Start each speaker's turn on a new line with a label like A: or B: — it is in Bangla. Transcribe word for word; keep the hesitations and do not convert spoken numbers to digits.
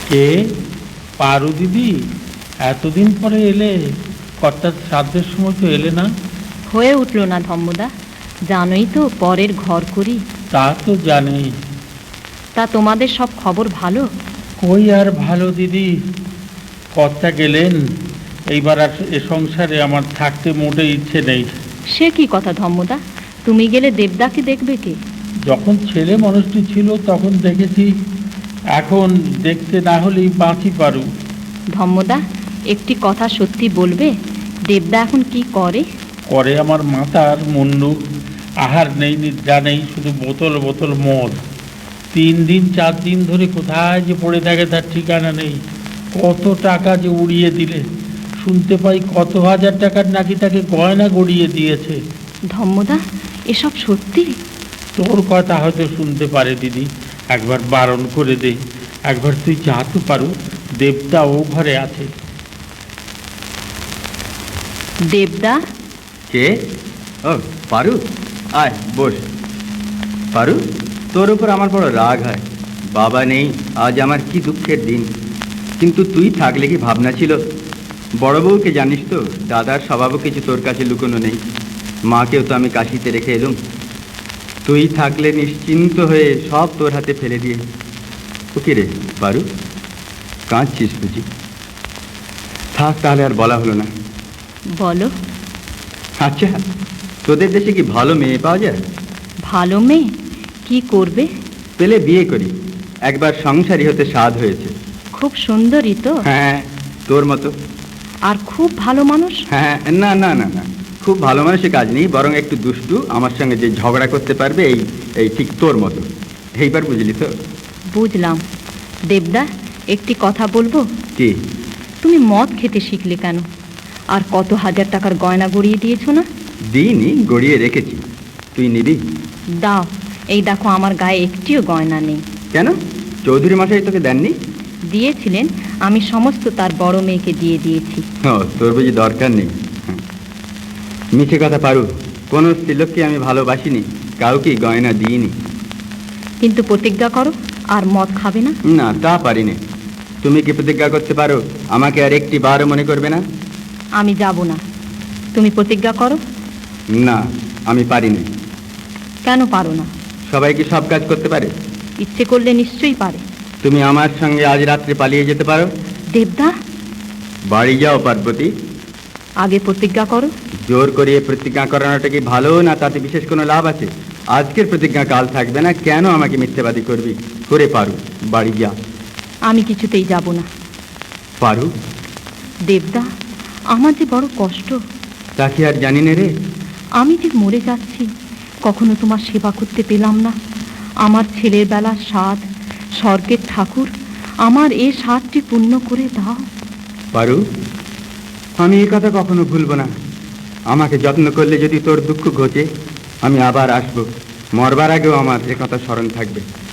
A: কে? পারু দিদি, এতদিন পরে এলে? কর্তার শ্রাদ্ধের সময় তো এলে না।
B: হয়ে উঠল না ধম্মদা, জানোই তো পরের ঘর করি।
A: তা তো জানি।
B: তা তোমাদের সব খবর ভালো?
A: কই আর ভালো দিদি, কর্তা গেলেন, এইবার আর এ সংসারে আমার থাকতে মোটে ইচ্ছে নেই।
B: সে কি কথা ধম্মদা, তুমি গেলে দেবদাকে দেখবে কে?
A: যখন ছেলে মানুষটি ছিল তখন দেখেছি, এখন দেখতে না হলেই বাঁচি পারু।
B: ধম্মদা, একটি কথা সত্যি বলবে, দেবদা এখন কি করে?
A: করে আমার মাতার মুন্ডু, আহার নেই নিদ্রা নেই, শুধু বোতল বোতল মদ। তিন দিন চার দিন ধরে কোথায় যে পড়ে থাকে তার ঠিকানা নেই। কত টাকা যে উড়িয়ে দিলে, শুনতে পাই কত হাজার টাকার নাকি তাকে গয়না গড়িয়ে দিয়েছে।
B: ধম্মদা, এসব সত্যি?
A: তোর কথা হয়তো শুনতে পারে দিদি, একবার বারণ করে দে, একবার তুই যা তো পারু, দেবদা ও ঘরে আছে।
B: দেবদা?
C: কে? ও পারু, আয় বস। পারু, তোর উপর আমার বড় রাগ হয়। বাবা নেই, আজ আমার কি দুঃখের দিন। কিন্তু তুই থাকলে কি ভাবনা ছিল। বড় বউকে জানিস তো, দাদার স্বভাবও কিছু তোর কাছে লুকোনো নেই। মাকেও তো আমি কাশিতে রেখে এলুম। তুই থাকলে নিশ্চিন্ত হয়ে সব তোর হাতে ফেলে দিয়ে। ও কি রে পারু, কাঁদছিস বুঝি? থাক তাহলে, আর বলা হলো না।
B: বলো।
C: আচ্ছা, তোদের দেশে কি ভালো মেয়ে পাওয়া যায়?
B: ভালো মেয়ে? কি করবে?
C: পেলে বিয়ে করি, একবার সংসারী হতে স্বাদ হয়েছে।
B: খুব সুন্দরী তো?
C: হ্যাঁ, তোর মতো।
B: আর খুব ভালো মানুষ?
C: হ্যাঁ, না না না না, খুব ভালো মানুষের কাজ নেই, বরং একটু দুষ্টু, আমার সঙ্গে যে ঝগড়া করতে পারবে, এই এই ঠিক তোর মতো। এইবার বুঝলি তো?
B: বুঝলাম। দেবদা, একটি কথা বলবো?
C: কি?
B: তুমি মদ খেতে শিখলে কেন? আর কত হাজার টাকার গয়না গড়িয়ে দিয়েছো না?
C: দিইনি, গড়িয়ে রেখেছি। তুই নিবি?
B: দাও। এই দেখো, আমার গায়ে একটিও গয়না নেই।
C: কেন? চৌধুরী মশাই তোকে দেননি?
B: দিয়েছিলেন, আমি সমস্ত তার বড় মেয়েকে দিয়ে দিয়েছি।
C: ও, তোর বুঝি দরকার নেই। মিছে কথা পারু, কোনো স্ত্রীলোককে আমি ভালোবাসিনি, কাউকে গয়না দিইনি।
B: কিন্তু প্রতিজ্ঞা করো, আর মদ খাবে না।
C: না, তা পারি না। তুমি কি প্রতিজ্ঞা করতে পারো আমাকে আর একটি বারও মনে করবে না?
B: আমি যাব না। তুমি প্রতিজ্ঞা করো।
C: না, আমি পারি না।
B: কেন পারো না?
C: সবাই কি সব কাজ করতে পারে?
B: ইচ্ছে করলে নিশ্চয়ই পারে।
C: তুমি আমার সঙ্গে আজ রাত্রে পালিয়ে যেতে পারো।
B: দেবদা,
C: বাড়ি যাও পার্বতী।
B: আগে প্রতিজ্ঞা করো।
C: জোর করিয়ে প্রতিজ্ঞা করানোটা কি ভালো, না তাতে বিশেষ কোনো লাভ আছে? আজকের প্রতিজ্ঞা কাল থাকবে না, কেন আমাকে মিথ্যেবাদী করবি? করে পারু, বাড়ি যা।
B: আমি কিছুতেই যাব না।
C: পারু?
B: দেবদা, আমার যে বড় কষ্ট।
C: তা কি আর জানি না রে?
B: আমি যে মরে যাচ্ছি, কখনো তোমার সেবা করতে পেলাম না। আমার ছেলের বেলার স্বাদ, স্বর্গের ঠাকুর, আমার এ স্বাদটি পূর্ণ করে দাও।
C: পারু, আমি এই কথা কখনো ভুলবো না। আমাকে যত্ন করলে যদি তোর দুঃখ ঘটে, আমি আবার আসবো। মরবার আগেও আমার এ কথা স্মরণ থাকবে।